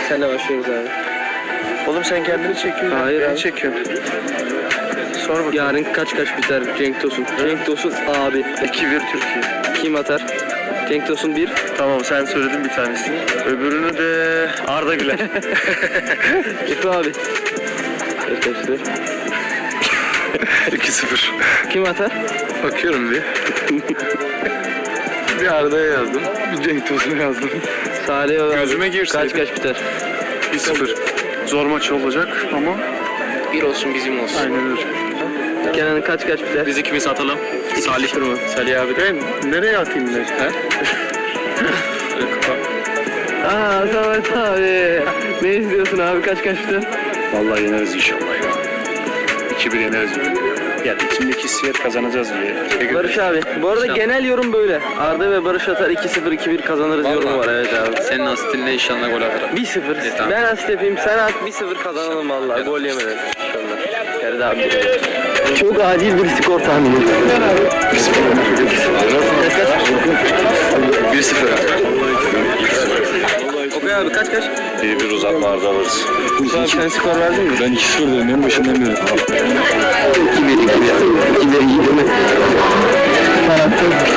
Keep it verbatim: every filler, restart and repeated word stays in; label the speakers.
Speaker 1: Senle başlıyoruz abi.
Speaker 2: Oğlum sen kendini çekiyorsun.
Speaker 1: Hayır
Speaker 2: Beni
Speaker 1: abi.
Speaker 2: çekiyorsun. Sor bakalım.
Speaker 1: Yarın kaç kaç biter Cenk Tosun? Cenk Tosun abi.
Speaker 2: iki bir Türkiye.
Speaker 1: Kim atar? Cenk Tosun bir.
Speaker 2: Tamam sen söyledin bir tanesini. Öbürünü de Arda Güler.
Speaker 1: Efe abi. Arkadaşlar.
Speaker 2: iki sıfır.
Speaker 1: Kim atar?
Speaker 2: Bakıyorum bir. Bir Arda'ya yazdım. Bir Cenk Tosun'a yazdım.
Speaker 1: Salih abi.
Speaker 2: Gözüme girsin.
Speaker 1: Kaç kaç biter?
Speaker 2: bir sıfır. Zor maç olacak ama
Speaker 1: Bir olsun bizim olsun.
Speaker 2: aynen öyle.
Speaker 1: Kenan kaç kaç biter?
Speaker 3: Biz ikimiz atalım. Salih
Speaker 1: mı?
Speaker 2: Salih abi de nereye atayım ben? He?
Speaker 1: Aa Samet abi. Ne istiyorsun abi kaç kaç biter?
Speaker 3: Vallahi yeneriz inşallah ya. iki bir yeneriz.
Speaker 2: Ya içimdeki hissiyat kazanacağız diye.
Speaker 1: Barış abi. Bu arada
Speaker 3: İnşallah.
Speaker 1: genel yorum böyle. Arda ve Barış atar iki sıfır iki bir kazanırız
Speaker 3: Vallahi.
Speaker 1: yorumu var evet abi.
Speaker 3: Senin asitinle inşallah gol atarım.
Speaker 1: bir sıfır.
Speaker 3: Evet, tamam.
Speaker 1: Ben asist yapayım sen at bir sıfır kazanalım vallahi. Gol yemeden inşallah. Ferdi abi. Çok acil bir skor tahmini.
Speaker 2: bir sıfır.
Speaker 1: Okay abi kaç kaç?
Speaker 3: Bir bir uzatmalarda alırız.
Speaker 1: Abi sen skor verdin mi?
Speaker 3: Ben iki sıfır dedim en başından beri.
Speaker 1: iki bir iki bir. iki bir iki bir.